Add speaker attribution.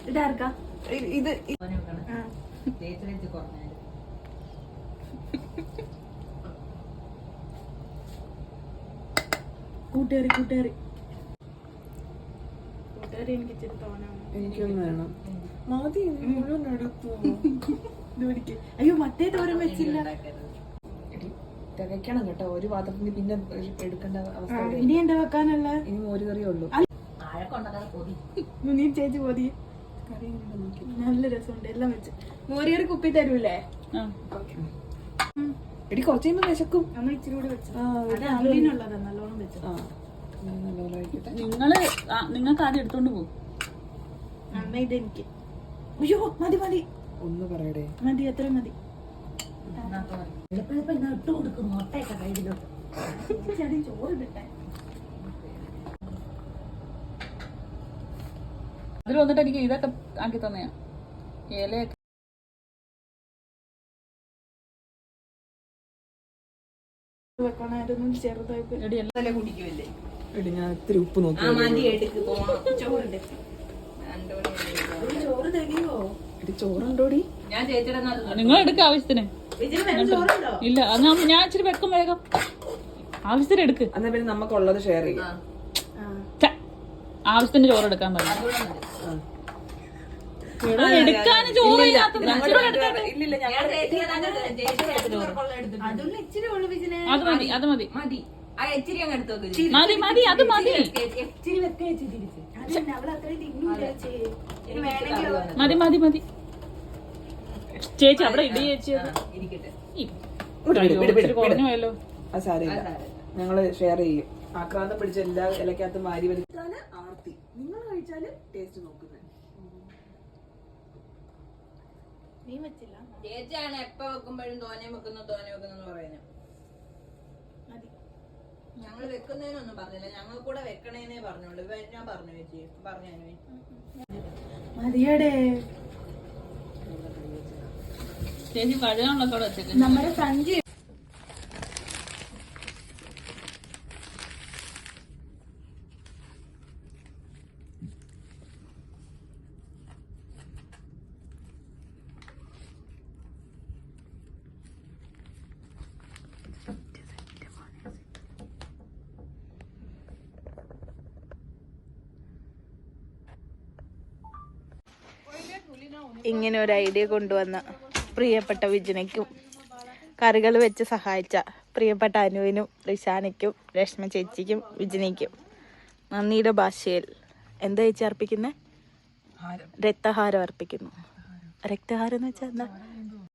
Speaker 1: ഇതാർക്കാ
Speaker 2: ഇത്
Speaker 1: കൂട്ടുകാരി കൂട്ടുകാരി കൂട്ടുകാരി എനിക്ക് ഇച്ചിരി തോന്നാണ്.
Speaker 2: എനിക്കൊന്നും വേണം. മതി മുഴുവൻ എടുത്തു.
Speaker 1: അയ്യോ മറ്റേ തോരൻ വെച്ചില്ല.
Speaker 2: തികയ്ക്കണം കേട്ടോ. ഒരു പാത്രത്തിന് പിന്നെ എടുക്കേണ്ട അവസ്ഥ.
Speaker 1: ഇനി എന്താ വെക്കാനുള്ള?
Speaker 2: ഇനി മോര് കറിയേ ഉള്ളൂ.
Speaker 1: നീ ചേച്ചി പോതി കറി നല്ല രസമുണ്ട്. എല്ലാം വെച്ച് മോര് കറി കുപ്പി തരൂലേ?
Speaker 2: എടി കുറച്ച് കഴിയുമ്പോ വിശക്കും.
Speaker 1: നമ്മൾ ഇച്ചിരി കൂടെ വെച്ചു. അമ്മിനുള്ളതാ നല്ലോണം വെച്ചു.
Speaker 3: നിങ്ങൾക്ക് ആദ്യം എടുത്തോണ്ട് പോകും.
Speaker 1: അമ്മ ഇതെനിക്ക്. അയ്യോ മതി മതി.
Speaker 2: ഒന്ന് പറയടേ.
Speaker 1: മതി എത്ര മതി. ചോറിട്ടെ
Speaker 3: അതിൽ വന്നിട്ട് എനിക്ക് ഇതൊക്കെ ആക്കി തന്നെയാ. ഇലയൊക്കെ
Speaker 1: വെക്കണമായിരുന്നു ചെറുതായിട്ട്.
Speaker 2: എടി ഞാൻ ഇത്തിരി ഉപ്പ് നോക്കി.
Speaker 1: ചോറ് തികയോ?
Speaker 2: എടി ചോറുണ്ടോടി?
Speaker 3: നിങ്ങൾ എടുക്ക ആവശ്യത്തിന്. ഇല്ല ഞാൻ ഇച്ചിരി വെക്കും വേഗം. ആവശ്യത്തിന് എടുക്ക്.
Speaker 2: എന്നാ പിന്നെ നമുക്കുള്ളത് ഷെയർ ചെയ്യാം.
Speaker 3: ആവശ്യത്തിന് ചോറ് എടുക്കാൻ പറഞ്ഞു. എടുക്കാനും ചോറ് അത് മതി അത് മതി മതി മതി അത് മതി മതി മതി മതി. ചേച്ചി അവിടെ ഇടി ചേച്ചി കുറഞ്ഞു പോയല്ലോ.
Speaker 2: അത് സാരമില്ല, ഞങ്ങള് ഷെയർ ചെയ്യും. ആക്രാന്തം പിടിച്ച എല്ലാ ഇലക്കകത്തും വാരി വലിച്ചാല് ആർത്തി. നിങ്ങൾ കഴിച്ചാല് ടേസ്റ്റ് നോക്കുന്നത്.
Speaker 1: നീ വെച്ചില്ല
Speaker 3: ചേച്ചിയാണ് എപ്പ വെക്കുമ്പോഴും തോനെ വെക്കുന്നു പറയുന്നത്. ഞങ്ങൾ വെക്കുന്നതിനൊന്നും പറഞ്ഞില്ല, ഞങ്ങൾ കൂടെ വെക്കണേന്നേ പറഞ്ഞോളൂ. ഞാൻ പറഞ്ഞു ചേച്ചി പറഞ്ഞു.
Speaker 1: മതിയടേ
Speaker 3: ചേച്ചി കഴുകാനുള്ളതോടെ വെച്ചേക്ക്.
Speaker 1: നമ്മുടെ സഞ്ചി ഇങ്ങനെ ഒരു ഐഡിയ കൊണ്ടുവന്ന പ്രിയപ്പെട്ട വിജനയ്ക്കും കറികൾ വെച്ച് സഹായിച്ച പ്രിയപ്പെട്ട അനുവിനും റിഷാനയ്ക്കും രശ്മ ചേച്ചിക്കും വിജനയ്ക്കും നന്ദിയുടെ ഭാഷയിൽ എന്താ ചേച്ചി അർപ്പിക്കുന്നത്? രക്തഹാരം അർപ്പിക്കുന്നു. രക്തഹാരം എന്ന് വെച്ചാൽ എന്താ?